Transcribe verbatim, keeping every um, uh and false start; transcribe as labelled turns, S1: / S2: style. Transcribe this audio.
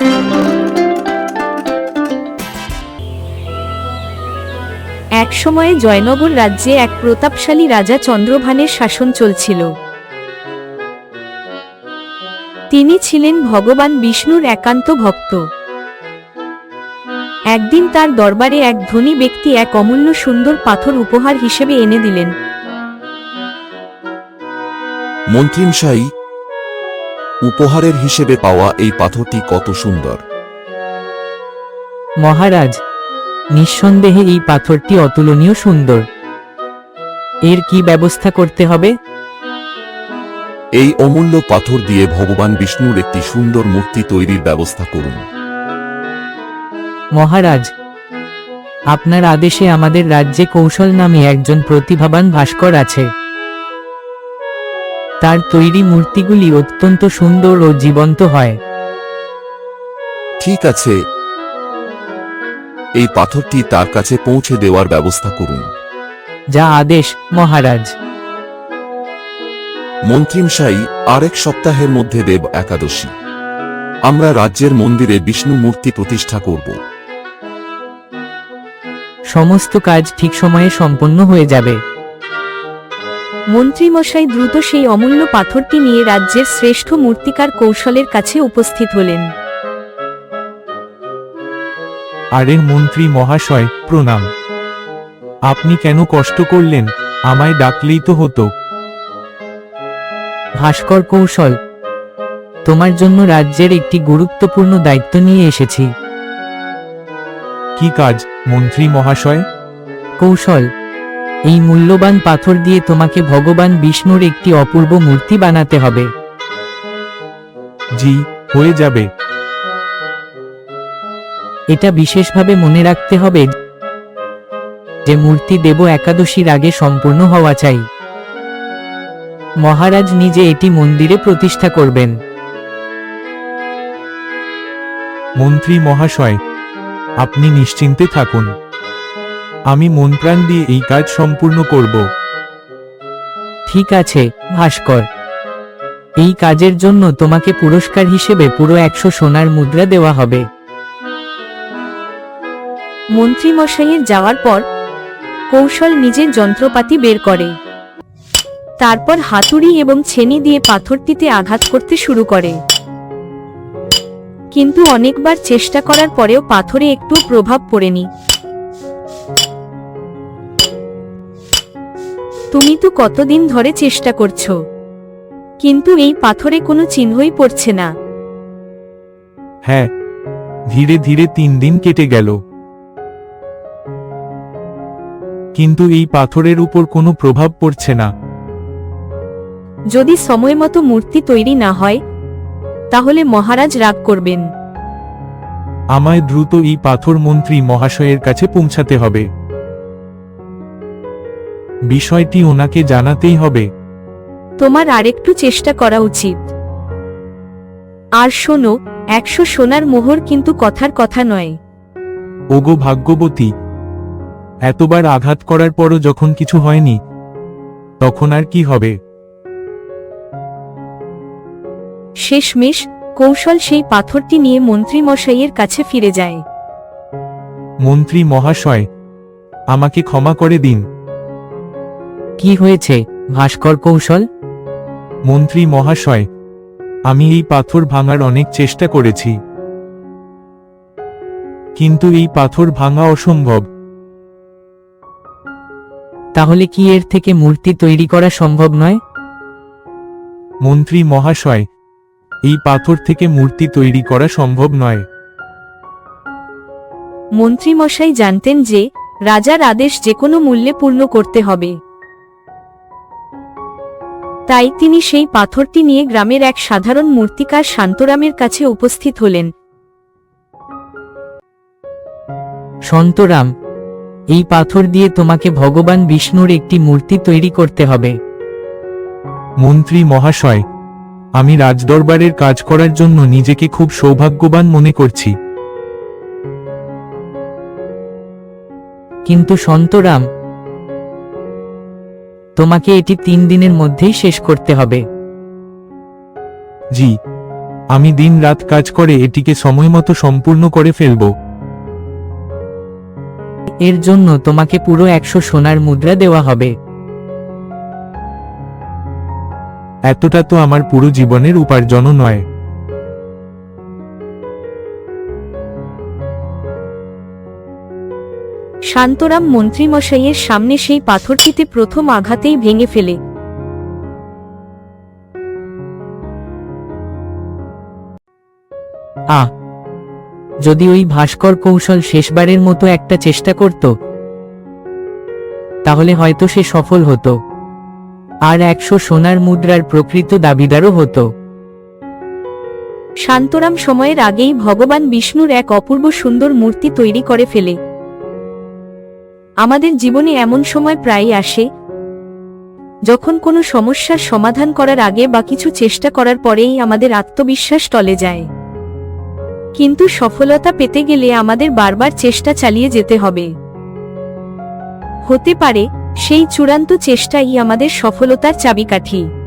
S1: এক সময়ে জয়নগর রাজ্যে এক প্রতাপশালী রাজা চন্দ্রভানের শাসন চলছিল। তিনি ছিলেন ভগবান বিষ্ণুর একান্ত ভক্ত। একদিন তার দরবারে এক ধনী ব্যক্তি এক অমূল্য সুন্দর পাথর উপহার হিসেবে এনে দিলেন।
S2: মন্ত্রীমশাই, উপহারের হিসেবে পাওয়া এই পাথরটি কত সুন্দর।
S3: মহারাজ, নিঃসন্দেহে এই পাথরটি অতুলনীয় সুন্দর। এর কি ব্যবস্থা করতে হবে?
S2: এই অমূল্য পাথর দিয়ে ভগবান বিষ্ণুর একটি সুন্দর মূর্তি তৈরির ব্যবস্থা করুন।
S3: মহারাজ, আপনার আদেশে আমাদের রাজ্যে কৌশল নামে একজন প্রতিভাবান ভাস্কর আছে। তার তৈরি মূর্তিগুলি অত্যন্ত সুন্দর ও জীবন্ত হয়।
S2: ঠিক আছে, এই পাথরটি তার কাছে পৌঁছে দেওয়ার ব্যবস্থা করুন।
S3: যা আদেশ মহারাজ।
S2: মন্ত্রীমশাই, আরেক সপ্তাহের মধ্যে দেব একাদশী। আমরা রাজ্যের মন্দিরে বিষ্ণু মূর্তি প্রতিষ্ঠা করব।
S3: সমস্ত কাজ ঠিক সময়ে সম্পন্ন হয়ে যাবে।
S1: মন্ত্রীমশাই দ্রুত সেই অমূল্য পাথরটি নিয়ে রাজ্যের শ্রেষ্ঠ মূর্তিকার কৌশলের কাছে উপস্থিত হলেন।
S4: আরে মন্ত্রী মহাশয়, প্রণাম। আপনি কেন কষ্ট করলেন? আমায় ডাকলেই তো হতো।
S3: ভাস্কর কৌশল, তোমার জন্য রাজ্যের একটি গুরুত্বপূর্ণ দায়িত্ব নিয়ে এসেছি।
S4: কি কাজ মন্ত্রী মহাশয়?
S3: কৌশল, এই মূল্যবান পাথর দিয়ে তোমাকে ভগবান বিষ্ণুর একটি অপূর্ব মূর্তি বানাতে হবে।
S4: জি, হয়ে যাবে।
S3: এটা বিশেষভাবে মনে রাখতে হবে যে মূর্তি দেব একাদশীর আগে সম্পূর্ণ হওয়া চাই। মহারাজ নিজে এটি মন্দিরে প্রতিষ্ঠা করবেন।
S4: মন্ত্রী মহাশয়, আপনি নিশ্চিন্তে থাকুন। আমি মন প্রাণ দিয়ে এই কাজ সম্পূর্ণ করব।
S3: ঠিক আছে ভাস্কর, এই কাজের জন্য তোমাকে পুরস্কার হিসেবে পুরো একশো সোনার মুদ্রা দেওয়া হবে।
S1: মন্ত্রীমশাইয়ের যাওয়ার পর কৌশল নিজের যন্ত্রপাতি বের করে। তারপর হাতুড়ি এবং ছেনি দিয়ে পাথরটিতে আঘাত করতে শুরু করে। কিন্তু অনেকবার চেষ্টা করার পরেও পাথরে একটু প্রভাব পড়েনি। তুমি তো কতদিন ধরে চেষ্টা করছো, কিন্তু এই পাথরে কোনো চিহ্নই পড়ছে না।
S4: হ্যাঁ, ধীরে ধীরে তিন দিন কেটে গেল, কিন্তু এই পাথরের উপর কোনো প্রভাব পড়ছে না।
S1: যদি সময়মতো মূর্তি তৈরি না হয় তাহলে মহারাজ রাগ করবেন।
S4: আমায় দ্রুত এই পাথর মন্ত্রী মহাশয়ের কাছে পৌঁছাতে হবে। বিষয়টি ওনাকে জানাতেই হবে।
S1: তোমার আরেকটু চেষ্টা করা উচিত। আর শোনো, একশো সোনার মোহর কিন্তু কথার কথা নয়।
S4: ওগো ভাগ্যবতী, এতবার আঘাত করার পরও যখন কিছু হয়নি, তখন আর কি হবে?
S1: শেষমেশ কৌশল সেই পাথরটি নিয়ে মন্ত্রীমশাইয়ের কাছে ফিরে যায়।
S4: মন্ত্রী মহাশয়, আমাকে ক্ষমা করে দিন।
S3: কি হয়েছে ভাস্কর কৌশল?
S4: মন্ত্রী মহাশয়, আমি এই পাথর ভাঙার অনেক চেষ্টা করেছি, কিন্তু এই পাথর ভাঙা অসম্ভব।
S3: তাহলে কি এর থেকে মূর্তি তৈরি করা সম্ভব নয়?
S4: মন্ত্রী মহাশয়, এই পাথর থেকে মূর্তি তৈরি করা সম্ভব নয়।
S1: মন্ত্রীমশাই জানতেন যে রাজার আদেশ যে কোনো মূল্যে পূর্ণ করতে হবে। তাই তিনি সেই পাথরটি নিয়ে গ্রামের এক সাধারণ মূর্তিকার শান্তরামের কাছে উপস্থিত হলেন।
S3: শান্তরাম, এই পাথর দিয়ে তোমাকে ভগবান বিষ্ণুর একটি মূর্তি তৈরি করতে হবে।
S4: মন্ত্রী মহাশয়, আমি রাজদরবারের কাজ করার জন্য নিজেকে খুব সৌভাগ্যবান মনে করছি।
S3: কিন্তু শান্তরাম, তোমাকে এটি তিন দিনের মধ্যেই শেষ করতে হবে।
S4: জি, আমি দিন রাত কাজ করে এটিকে সময় মতো সম্পূর্ণ করে ফেলব।
S3: এর জন্য তোমাকে পুরো একশো সোনার মুদ্রা দেওয়া হবে।
S4: এতটা তো আমার পুরো জীবনের উপার্জনও নয়।
S1: শান্তরাম মন্ত্রীমশাইয়ের সামনে সেই পাথরটিতে প্রথম আঘাতেই ভেঙে ফেলে।
S3: আহ যদি ওই ভাস্কর কৌশল শেষবারের মতো একটা চেষ্টা করত, তাহলে হয়তো সে সফল হতো আর একশো সোনার মুদ্রার প্রকৃত দাবিদারও হতো।
S1: শান্তরাম সময়ের আগেই ভগবান বিষ্ণুর এক অপূর্ব সুন্দর মূর্তি তৈরি করে ফেলে। আমাদের জীবনে এমন সময় প্রায়ই আসে যখন কোনো সমস্যার সমাধান করার আগে বা কিছু চেষ্টা করার পরেই আমাদের আত্মবিশ্বাস টলে যায়। কিন্তু সফলতা পেতে গেলে আমাদের বারবার চেষ্টা চালিয়ে যেতে হবে। হতে পারে সেই চূড়ান্ত চেষ্টাই আমাদের সফলতার চাবিকাঠি।